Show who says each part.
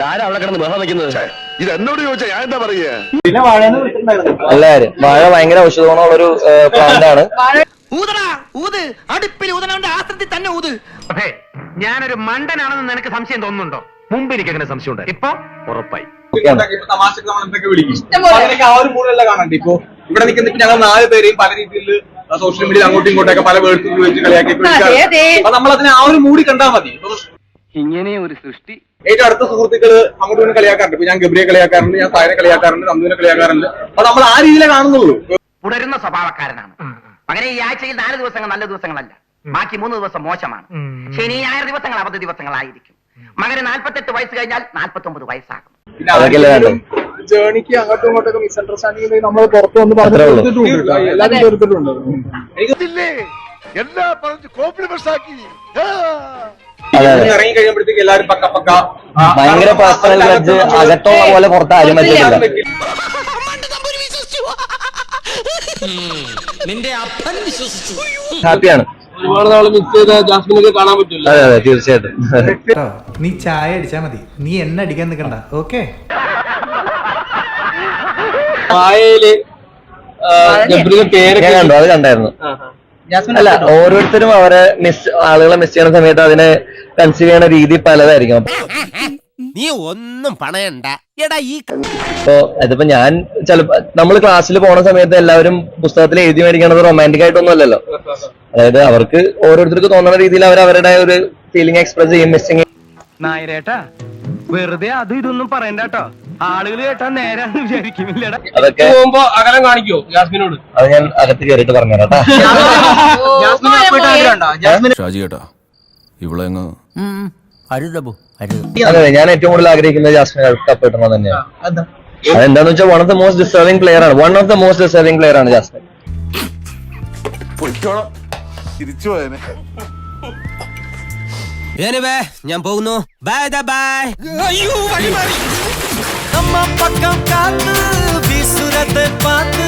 Speaker 1: ആരാ അവിടെ കിടന്ന് ബഹളം വെക്കുന്നത്?
Speaker 2: ഇത് എന്നോട് ചോദിച്ചാ ഞാൻ എന്താ പറയാ?
Speaker 3: പിന്നെ വാഴന്ന് വിളിച്ചിട്ടുണ്ടായിരുന്നു.
Speaker 4: നല്ല കാര്യം. വാഴ ഭയങ്കര ഔഷധ ഗുണമുള്ളൊരു പ്ലാന്റ് ആണ്.
Speaker 1: ഞാനൊരു മണ്ടനാണെന്ന് നിനക്ക് സംശയം തോന്നുന്നുണ്ടോ? മുമ്പ് എനിക്ക് അങ്ങനെ സംശയം ഉണ്ട്, ഇപ്പൊ ഉറപ്പായി.
Speaker 3: തമാശക്ക് നമ്മൾ എന്തൊക്കെ വിളിക്കും, അങ്ങനെയൊക്കെ ആ ഒരു മൂലല്ല കാണണ്ട. ഇപ്പൊ ഇവിടെ നിൽക്കുന്ന ഞങ്ങൾ 4 പേരെയും പല രീതിയിൽ സോഷ്യൽ മീഡിയയിൽ അങ്ങോട്ടും ഇങ്ങോട്ടൊക്കെ പല വേർഡ്സ് ഉപയോഗിച്ച് കളിയാക്കി അപ്പൊ നമ്മൾ അതിനെ ആ ഒരു മൂടി കണ്ടാൽ മതി.
Speaker 1: ഇങ്ങനെ ഒരു സൃഷ്ടി
Speaker 3: ഏറ്റവും അടുത്ത സുഹൃത്തുക്കള് അങ്ങോട്ടും ഇങ്ങോട്ടും കളിയാക്കാറുണ്ട്. ഇപ്പൊ ഞാൻ ഗബ്രിയെ കളിയാക്കാറുണ്ട്, ഞാൻ സായനെ കളിയാക്കാറുണ്ട്, നന്ദുവിനെ കളിയാക്കാറുണ്ട്. അപ്പൊ നമ്മൾ ആ രീതിയിലേ കാണുന്നുള്ളൂ.
Speaker 5: തുടരുന്ന സ്വഭാവക്കാരനാണ്. അങ്ങനെ ഈ ആഴ്ചയിൽ 4 ദിവസങ്ങൾ നല്ല ദിവസങ്ങളല്ല, ബാക്കി 3 ദിവസം മോശമാണ്. ശനി ഞായർ ദിവസങ്ങൾ അവധി ദിവസങ്ങളായിരിക്കും. മകന് 48 വയസ്സ് കഴിഞ്ഞാൽ 49 വയസ്സാകും.
Speaker 3: ജേണിക്ക് അങ്ങോട്ടും ഇങ്ങോട്ടൊക്കെ മിസ്അണ്ടർസ്റ്റാൻഡിംഗ് നമ്മൾ പുറത്തു വന്ന് പറഞ്ഞിട്ടുണ്ട്, എല്ലാവരും ചേർത്തിട്ടുണ്ട്.
Speaker 2: എല്ലാ പറഞ്ഞു കോംപ്ലിമെന്റ്സ് ആക്കി
Speaker 3: ഇറങ്ങി കഴിയുമ്പോഴത്തേക്ക് എല്ലാവരും പക്ക
Speaker 4: ഭയങ്കര പേഴ്സണൽ ഗ്രഡ്ജ് അകത്തുള്ള പോലെ പുറത്ത് ആരും പറ്റില്ല. ഹാപ്പിയാണ്.
Speaker 3: ഒരുപാട് നാള് മിസ് ചെയ്ത ജാസ്മിനൊക്കെ കാണാൻ പറ്റില്ല.
Speaker 4: അതെ അതെ തീർച്ചയായിട്ടും.
Speaker 6: നീ ചായ അടിച്ചാ മതി, നീ എന്നെ അടിക്കാൻ നിൽക്കണ്ട. ഓക്കെ
Speaker 3: വായയില് പേരൊക്കെ
Speaker 4: കണ്ടു, അത് കണ്ടായിരുന്നു. അല്ല, ഓരോരുത്തരും അവരെ ആളുകളെ മിസ് ചെയ്യുന്ന സമയത്ത് അതിനെ കൺസീവ് ചെയ്യുന്ന രീതി പലതായിരിക്കും.
Speaker 7: നീ ഒന്നും പണയണ്ട.
Speaker 4: ഇപ്പൊ അതിപ്പോ ഞാൻ ചിലപ്പോ നമ്മൾ ക്ലാസ്സിൽ പോണ സമയത്ത് എല്ലാവരും പുസ്തകത്തിൽ എഴുതി മേടിക്കണത് റൊമാൻറ്റിക് ആയിട്ടൊന്നും അല്ലല്ലോ. അതായത് അവർക്ക് ഓരോരുത്തർക്ക് തോന്നുന്ന രീതിയിൽ അവർ അവരുടെ ഒരു ഫീലിംഗ് എക്സ്പ്രസ് ചെയ്യും. മിസ്സിങ്
Speaker 1: നായരേട്ടാ, വെറുതെ അതും ഇതൊന്നും പറയണ്ടോ, ആളുകൾ കേട്ടാ നേരാന്ന് വിചാരിക്കുന്നില്ലടാ.
Speaker 4: അതൊക്കെ
Speaker 3: പോകുമ്പോ അകലം കാണിക്കോ ജാസ്മിനോട്?
Speaker 4: അത് ഞാൻ അകത്ത് കയറിയിട്ട് പറഞ്ഞുതരാം.
Speaker 7: ഷാജി കേട്ടാ ഇവിടെ
Speaker 4: അതെ, ഞാൻ ഏറ്റവും കൂടുതൽ ആഗ്രഹിക്കുന്നത് ജാസ്മിൻ കപ്പ് കിട്ടണം തന്നെയാണ്. അതെന്താന്ന് വെച്ചാൽ one of the most deserving player ആണ്. One of the most deserving player ആണ് ജാസ്മിൻ.
Speaker 2: തിരിച്ചു പോയനെ.
Speaker 7: ഞാൻ പോകുന്നു. Bye bye. അയ്യോ, വഴി മാറി. നമ്മ പക്കം കാത്ത്